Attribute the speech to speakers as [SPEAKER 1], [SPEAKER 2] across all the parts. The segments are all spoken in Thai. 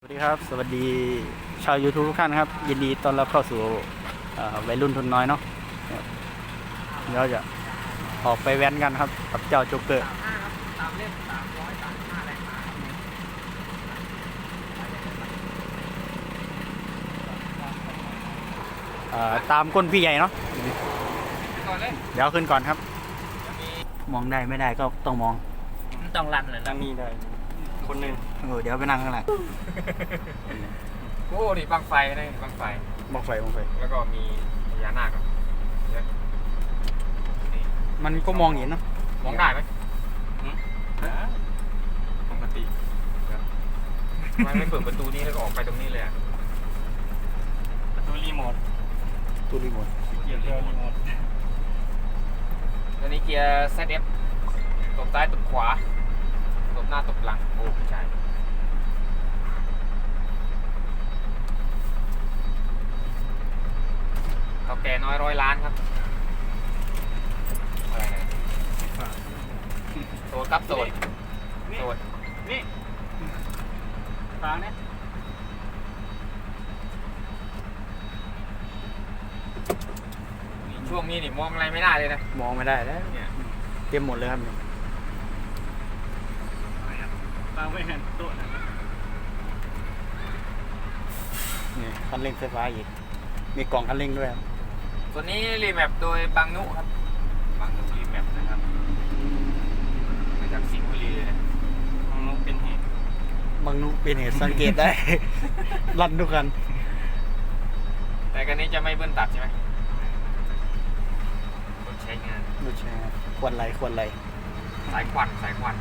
[SPEAKER 1] สวัสดีครับสวัสดีชาว YouTube ทุกท่านครับยินดีต้อนรับเข้าสู่วัยรุ่นทุนน้อยเนาะเดี๋ยวจะออกไปแว้นกันครับกับเจ้าโจ๊กเกอร์ตามก้นพี่ใหญ่เนาะเดี๋ยวขึ้นก่อนครับมองได้ไม่ได้ก็ต้องมอง
[SPEAKER 2] ต้องรันเลย
[SPEAKER 3] นั่งนี่ได้คนหนึ่ง
[SPEAKER 1] เดี๋ยวไปนั่งข้างหลัง
[SPEAKER 3] โอ้นี่บังไฟนะบังไฟ
[SPEAKER 1] มองไฟมองไฟ
[SPEAKER 3] แล้วก็มีพญานาคครับนี่
[SPEAKER 1] มันก็มองเห็นเนาะ
[SPEAKER 3] มองได้ไหมปกติทำไมไม่เปิดประตูนี้แล้วก็ออกไปตรงนี้เลยอะ
[SPEAKER 2] ประตูรีโมท
[SPEAKER 1] ตู้รีโมท
[SPEAKER 2] เกียร์รีโมท
[SPEAKER 3] อันนี้เกียร์ ZF ตบซ้ายตบขวาตบหน้าตบหลังโอ้ไม่ใช่เขาแก่น้อย100 ล้านครับอะไรนะโสดครับโสดโสด
[SPEAKER 2] นี่ฟังนะ
[SPEAKER 3] ช่วงนี้นี่มองอะไรไม่ได้เลยนะ
[SPEAKER 1] มองไม่ได้แล้ว
[SPEAKER 3] เนี่ย
[SPEAKER 1] เต็มหมดเลยครับเนี่ย
[SPEAKER 2] ฟังไม่เห็นโต๊ะนะ
[SPEAKER 1] นี่คันเร่งไฟฟ้าอีกมีกล่องคันเร่งด้วยครับ
[SPEAKER 3] ตัวนี้รีแมปโดยบางนุครับบางนุรีแมปนะครับมาจากสิงห์บุรีเลยนะ
[SPEAKER 2] ของนกเป็นเหตุ
[SPEAKER 1] บางนุเป็นเหตุสังเกตได้ รันทุกคัน
[SPEAKER 3] แต่กันนี้จะไม่เบิ้ลตัดใช่ไหมรถใช้งาน
[SPEAKER 1] ดูแชร์ควรไรควรไร
[SPEAKER 3] สายควันสายควัน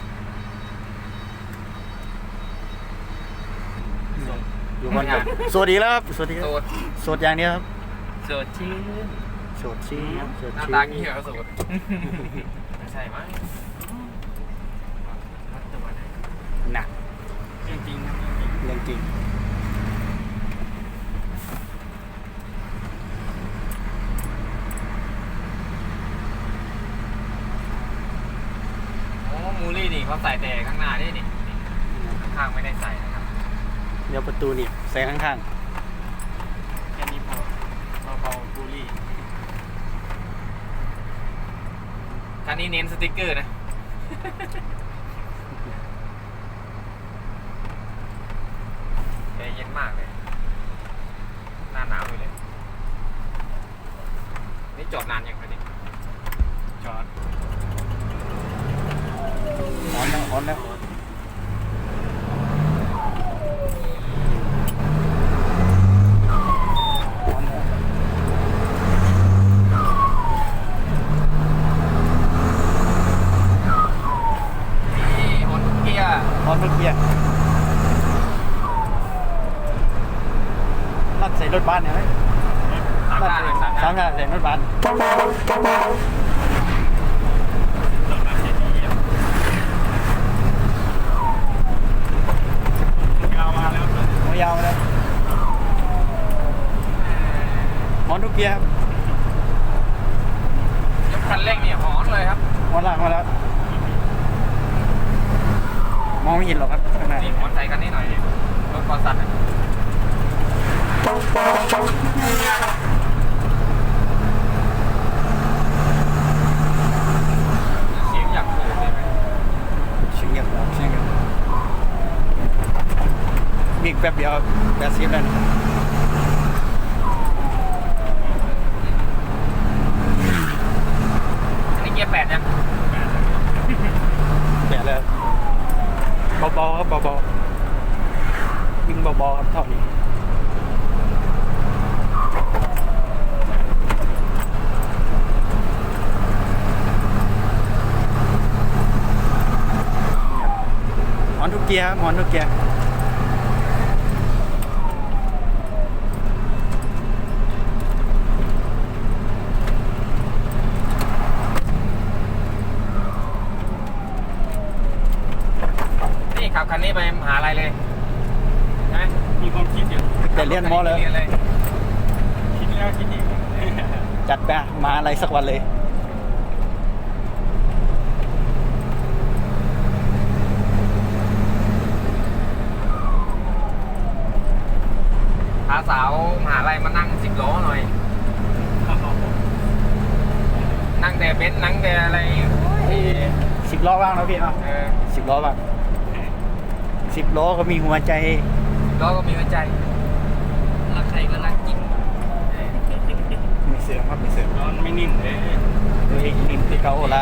[SPEAKER 1] อยู่บนกับสวัสดีแล้วครับสวัสดีค
[SPEAKER 3] โส
[SPEAKER 1] รับ
[SPEAKER 3] ด
[SPEAKER 1] สดอย่างเดียวครับ
[SPEAKER 3] โสดชื่น
[SPEAKER 1] สดชี้ครับสด
[SPEAKER 3] หน้า
[SPEAKER 1] ชี้
[SPEAKER 3] ตางี้เหรอโสดไม่ใช่มั้งรัดตัวไหน
[SPEAKER 1] หนัก
[SPEAKER 2] จริงๆนะ
[SPEAKER 1] เรื่องจริง
[SPEAKER 3] โอ้มูลี่นี่เขาใส่แต่ข้างหน้านี่นี่ข้างๆไม่ได้ใส่นะครับ
[SPEAKER 1] เดี๋ยวประตูนี่ใส่ข้าง
[SPEAKER 2] แค่นี้พอเบาๆบูลลี่
[SPEAKER 3] คันนี้เน้นสติ๊กเกอร์นะแอร์เย็นมากเลย หน้าหนาวอยู่เลย นี่จอดนานยังคะนี่
[SPEAKER 2] จอด
[SPEAKER 1] ๆร้อนแล้วร้อนแล้วร้อนแล้ว
[SPEAKER 3] นี่ฮอนเกียร์
[SPEAKER 1] ร้อนทุกเกียร์นั่นใส่รถบ้านเนี่ยไหม
[SPEAKER 3] สามหน้าเลยสามห
[SPEAKER 1] สาม
[SPEAKER 3] น้า
[SPEAKER 1] หน้าใส่รถบ้าน
[SPEAKER 2] จอดมาเสร็จดียาวมาแล้ว
[SPEAKER 1] หัวยาวมาแล้วร้อนทุกเกียร์ครับ
[SPEAKER 3] ยกคันเร่งเนี่ยหอนเลยครับ
[SPEAKER 1] ร้อนล่างมาแล้วมองไม่เห็นหรอกครับข้างหน้า
[SPEAKER 3] นี่หอนใส่กันนิดหน่อยดิรถคอสัตว์อะเสียงอยากโผล่เลยไหม
[SPEAKER 1] เสียงเงียบเสียงเงียบมีอีกแป๊บเดียวครับ80แล้วนะ
[SPEAKER 3] อันนี้เกียร์8ยัง
[SPEAKER 1] แปะแล้วเบาๆครับเบาๆวิ่งเบาๆครับเท่านี้หอนทุกเกียร์ครับหอนทุกเกียร์
[SPEAKER 3] นี่ขับคันนี้ไปมหาลัยเลยใช่ไหม
[SPEAKER 2] มีความคิดอยู่
[SPEAKER 1] แต่เรียนมอเลย
[SPEAKER 3] เรียนเลย
[SPEAKER 2] คิดแล้วคิดอีก
[SPEAKER 1] จัดไปมาอะไรสักวันเลย
[SPEAKER 3] สาวมหาลัยมานั่ง10 ล้อหน่อย นั่งแต่เบนซ์นั่งแต่อะไรโอ้ย
[SPEAKER 1] 10 ล้อบ้างนะพี่เนาะ
[SPEAKER 3] เออ
[SPEAKER 1] 10 ล้อบ้าง10 ล้อก็มีหัวใจ
[SPEAKER 3] ล้อก็มีหัวใจรักใครก็รักจริง
[SPEAKER 1] ไม่เสื่อมครับไม่เสื่อม
[SPEAKER 2] ร้อนไม่นิ่มเลย
[SPEAKER 1] ดูเองนิ่มที่เขาละ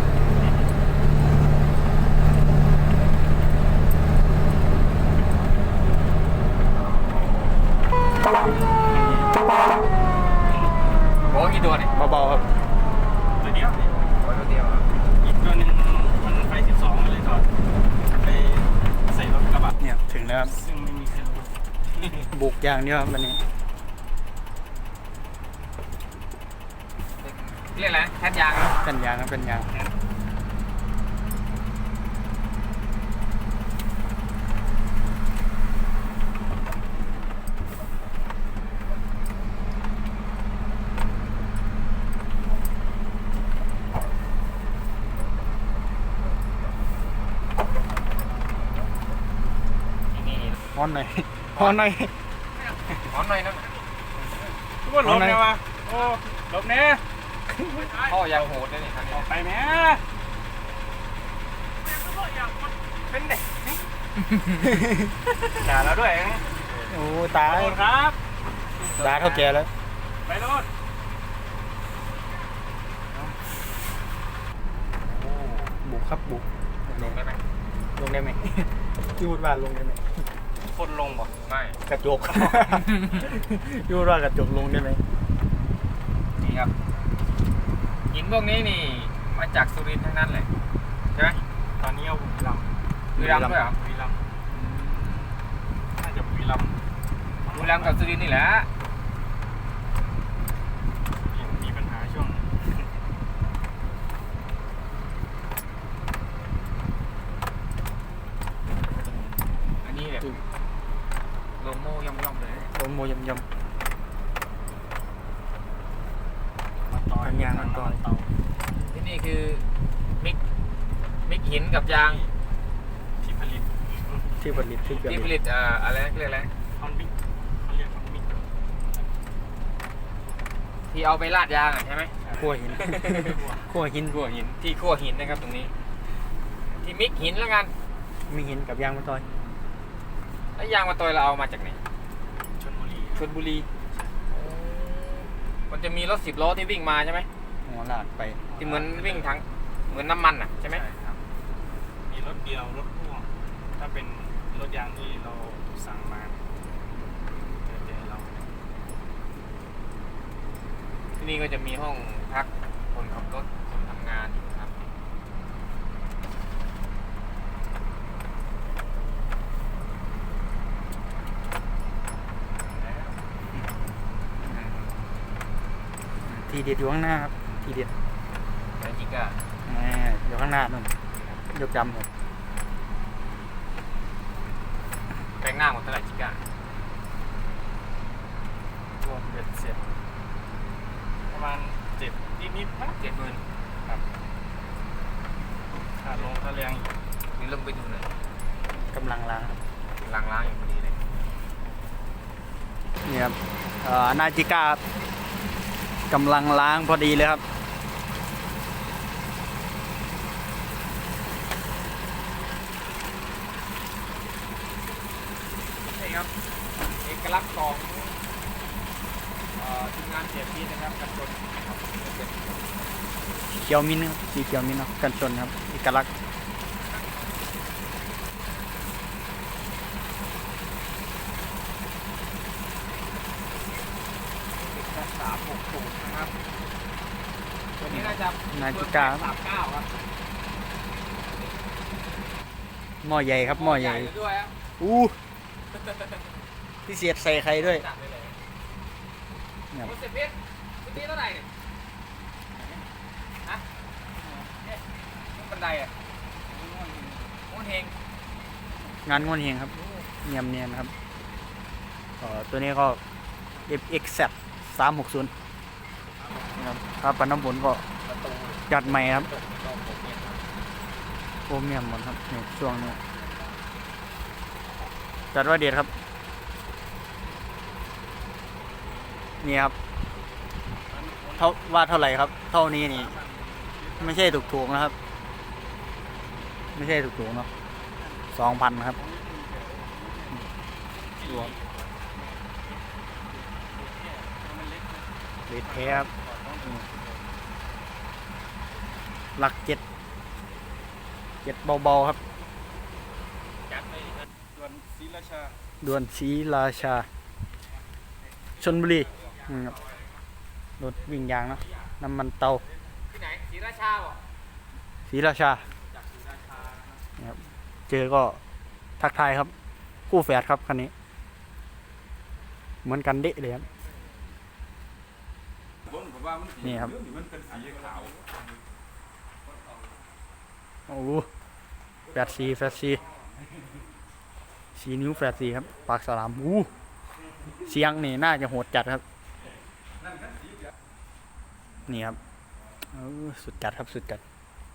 [SPEAKER 3] โอ้กี่ตัวเนี่ย
[SPEAKER 1] เบาๆครับ
[SPEAKER 2] ตัวเดียว
[SPEAKER 3] โอ้ตัวเดียวอะ
[SPEAKER 2] อีกตัวหนึ่งมันไฟ12เลยถอดไปใส่รถกระบะ
[SPEAKER 1] เนี่ยถึงแล้วครับ
[SPEAKER 2] ซึ่งไม่มีใครรู้
[SPEAKER 1] บุกอย่างเดียวครับวันนี้
[SPEAKER 3] เรียกอะไรแคทยางนะ
[SPEAKER 1] กันยางครับกันยาง
[SPEAKER 3] นี่
[SPEAKER 1] ฮ้อนหน่อยฮ้อนหน่อย
[SPEAKER 3] หอมหน่อยนะ
[SPEAKER 2] ทุกคนหลบไงวะโอ้หลบแน่
[SPEAKER 3] พ่อยางโหดเลยนี่คันนี้
[SPEAKER 2] ออกไปแม่
[SPEAKER 3] เป็นเด็ก
[SPEAKER 2] ด่าเราด้วย
[SPEAKER 1] โอ้ตา
[SPEAKER 2] ขอโทษครับ
[SPEAKER 1] ตาเขาแก่แล้ว
[SPEAKER 2] ไปรถ
[SPEAKER 1] บุกครับบุก
[SPEAKER 3] ลงได้ไหม
[SPEAKER 1] ลงได้ไหม ยูดว่าลงได้ไหม
[SPEAKER 2] คนลงบ่
[SPEAKER 3] ไม่
[SPEAKER 1] กระจก ยูดว่ากระจกลงได้ไหม
[SPEAKER 3] นี่ครับหินพวกนี้นี่มาจากสุรินทร์ทั้งนั้นเลยใช่ไหม
[SPEAKER 2] ตอนนี้เอาบุรีรัมย์
[SPEAKER 3] บุรีรัมย์ด้วยเหรอ
[SPEAKER 2] บุรีรัมย์น่าจะบุรีรัมย์
[SPEAKER 3] บุรีรัมย์กับสุรินทร์นี่แหละ
[SPEAKER 2] มีปัญหาช่วง
[SPEAKER 3] อันนี้แบบโลโม่ย่อมๆเลย
[SPEAKER 1] โอ้โมยำย
[SPEAKER 2] มาต่อย
[SPEAKER 1] ปัญญามาต่อย
[SPEAKER 2] เตา
[SPEAKER 3] ที่นี่คือมิกหินกับยาง
[SPEAKER 2] ที่ผลิต
[SPEAKER 1] ำที่ผลิตที่เกิด
[SPEAKER 3] ที่ผลิตอะไรนะเรียกอะไร
[SPEAKER 2] คอนมิกเขาเรียกคอนมิก
[SPEAKER 3] ที่เอาไปลาดยางอะใช่ไหม
[SPEAKER 1] ขั้วหิน ขั้วหิน
[SPEAKER 3] ขั้วหินที่ขั้วหินนะครับตรงนี้ ที่มิกหินแล้วกัน
[SPEAKER 1] มีหินกับยางมาต่อย
[SPEAKER 3] แล้วยางมาตอยเราเอามาจากไหน
[SPEAKER 2] ชลบุรี
[SPEAKER 3] ชลบุรีมันจะมีรถ10 ล้อที่วิ่งมาใช่ไหม
[SPEAKER 1] หัวลากไป
[SPEAKER 3] ที่เหมือนวิ่งทางเหมือนน้ำมันอ่ะใช่ไหม
[SPEAKER 2] ครับมีรถเดียวรถพ่วงถ้าเป็นรถยางที่เราสั่งมาเดี๋ยวเรา
[SPEAKER 3] ที่นี่ก็จะมีห้องพักคนขับรถคนทำงานอยู่ครับ
[SPEAKER 1] ทีเด็ดอยู่ข้างหน้าครับทีเด็ด
[SPEAKER 3] แล้วจริงก็
[SPEAKER 1] แหมอยู่ข้างหน้านู่นยกดำครับ
[SPEAKER 3] แปลงหน้าหมดเท่าไหร่จิก้าร
[SPEAKER 2] วมเบ็ดเสร็จประมาณ7นิดๆนะ
[SPEAKER 3] 70,000
[SPEAKER 2] ค่าลงค่าแรงอีก
[SPEAKER 3] นี่ลงไปดูหน่อย
[SPEAKER 1] กำลังล้างครับ
[SPEAKER 3] ล้างอยู่พอดีเลย
[SPEAKER 1] นี่ครับนาจิก้าครับกำลังล้างพอดีเลยครับ
[SPEAKER 3] นี่ครับเอกลักษณ์ของทีมงานเสียพีนะครับกันชน
[SPEAKER 1] เขียวมิ้นท์ครับสีเขียวมิ้นท์เนาะกันชนครับเอกลักษณ์
[SPEAKER 3] 360นะครับตัวนี้น่าจะ
[SPEAKER 1] นาจิก้า
[SPEAKER 3] 39ครับ
[SPEAKER 1] หม้อใหญ่ครับหม้อใหญ่
[SPEAKER 3] ด้วยครับ
[SPEAKER 1] อู้พิเศษใส่ไข่ด้วย
[SPEAKER 3] จัดไปเลย
[SPEAKER 1] เนี่ย
[SPEAKER 3] คุณเสพเพชรคุณตีเท่าไหร่เนี่ยฮะเนี่ยบันไดอ่ะม้วนเฮง
[SPEAKER 1] งานงวนเฮงครับเนียมเนียนครับตัวนี้ก็ FXZ 360นะครับครับปันน้ำผลก็
[SPEAKER 3] ประตู
[SPEAKER 1] จัดใหม่ครับ
[SPEAKER 3] ต้องผมเนี่ย
[SPEAKER 1] โครเมียมหมดครับในช่วงนี้จัดว่าเด็ดครับนี่ครับเท่าว่าเท่าไหร่ครับ เท่านี้นี่ ไม่ใช่ถูกๆนะครับ ไม่ใช่ถูกๆเนาะ2,000ครับรวมเลทแท้ครับหลัก7เบาๆครับ
[SPEAKER 2] จัดไปส่วนศรีราชา
[SPEAKER 1] ด่วนศรีราชาชลบุรีครับรถวิ่งยางเนาะน้ำมันเตา
[SPEAKER 3] ที่ไหนศรีราชาบ่
[SPEAKER 1] ศรีราชา
[SPEAKER 3] จากศรีราชา
[SPEAKER 1] นะครับเจอก็ทักทายครับ คู่แฝดครับคันนี้ เหมือนกันเดะเลยครับ
[SPEAKER 2] ผมว่ามัน
[SPEAKER 1] นี่ครับ
[SPEAKER 2] มันเป็นสีขาว
[SPEAKER 1] โอ้โหแฝดซีนิ้วแฝดซีครับ ปากสลามเสียงนี่น่าจะโหดจัดครับ นี่ครับสุดจัดครับสุดจัด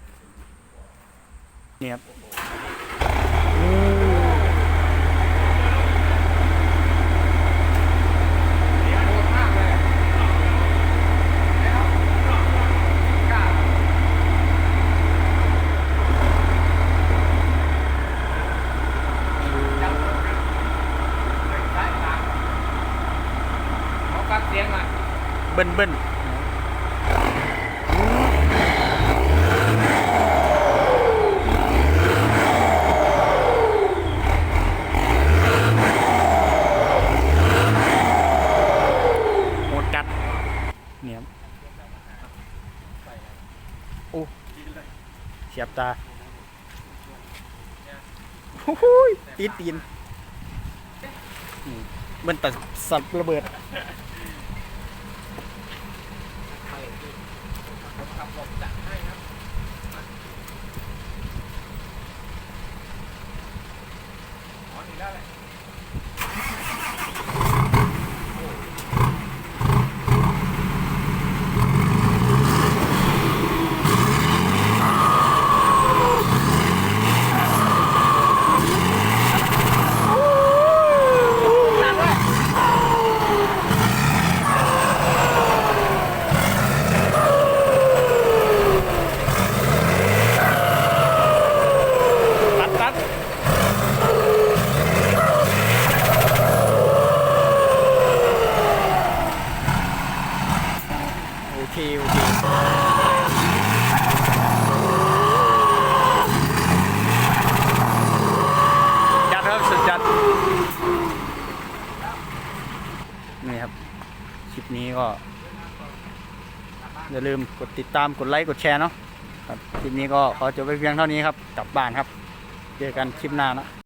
[SPEAKER 1] นี่ครับ
[SPEAKER 3] โหดมากเลยแล้วกล้าจับสายตาขอฟังเสียงหน่อย
[SPEAKER 1] เบิ้ลโหดจัดเนี่ยครับโอ้เสียบตาโอ้โหตีนมันแต่สัตว์ระเบิด
[SPEAKER 3] ขับหลบจัดให้ครับอ๋อถึงได้เลย
[SPEAKER 1] ตัดโอเคจัดครับสุดจัดนี่ครับคลิปนี้ก็อย่าลืมกดติดตามกดไลค์กดแชร์เนาะครับคลิปนี้ก็ขอจบไปเพียงเท่านี้ครับกลับบ้านครับเจอกันคลิปหน้านะ